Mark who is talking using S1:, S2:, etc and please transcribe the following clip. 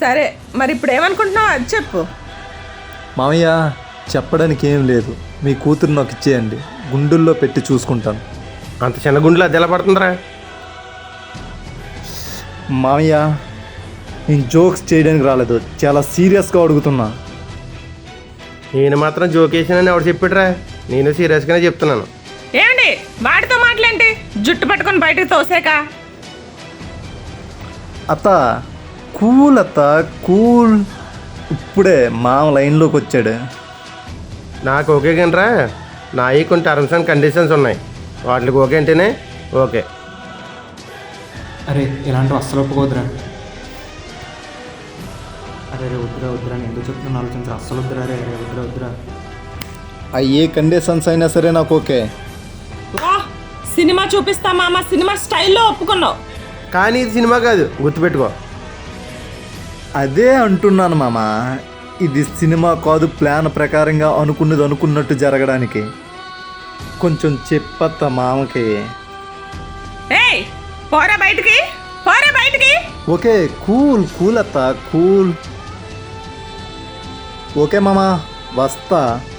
S1: సరే మరి ఇప్పుడు ఏమనుకుంటున్నావు అది చెప్పు.
S2: మామయ్య చెప్పడానికి ఏం లేదు, మీ కూతురు నాకు ఇచ్చేయండి, గుండుల్లో పెట్టి చూసుకుంటాను.
S3: అంత చిన్న గుండెలో అది ఎలా పడుతుందిరా?
S2: మామయ్య నేను జోక్స్ చేయడానికి రాలేదు, చాలా సీరియస్గా అడుగుతున్నా.
S3: నేను మాత్రం జోకేసానని ఎవడు చెప్పాడురా? నేను సీరియస్గానే చెప్తున్నాను.
S1: ఏమండి వాడితో మాటలేంటి, జుట్టు పట్టుకొని బయటకు తోసాక?
S2: అత్త కూల్, అత్త కూల్. ఇప్పుడే మామ లైన్లోకి వచ్చాడు.
S3: నాకు ఓకే కానరా, నాయి కొన్ని టర్మ్స్ అండ్ కండిషన్స్ ఉన్నాయి, వాటికి ఓకే అంటేనే ఓకే.
S4: అరే ఇలాంటివి అస్సలు ఒప్పుకోవద్దురా. అరే రే వద్దురా వద్దురా, నేను ఎందుకు చెప్తున్నాను ఆలోచించరా, అస్సలు వద్దురా. రే రే వద్దురా వద్దురా.
S2: ఆ ఏ కండిషన్స్ అయినా సరే నాకు ఓకే.
S1: వా, సినిమా చూపిస్తా మామ, సినిమా స్టైల్లో ఒప్పుకున్నావు.
S3: కానీ ఇది సినిమా కాదు, గుర్తుపెట్టుకో.
S2: అదే అంటున్నాను మామ, ఇది సినిమా కాదు, ప్లాన్ ప్రకారంగా అనుకున్నది అనుకున్నట్టు జరగడానికి. కొంచెం చెప్పత్త మామకి.
S1: ఏయ్ పోరా బయటికి, పోరా బయటికి.
S2: ఓకే కూల్ కూల్ అత్త కూల్. ఓకే మామ వస్తా.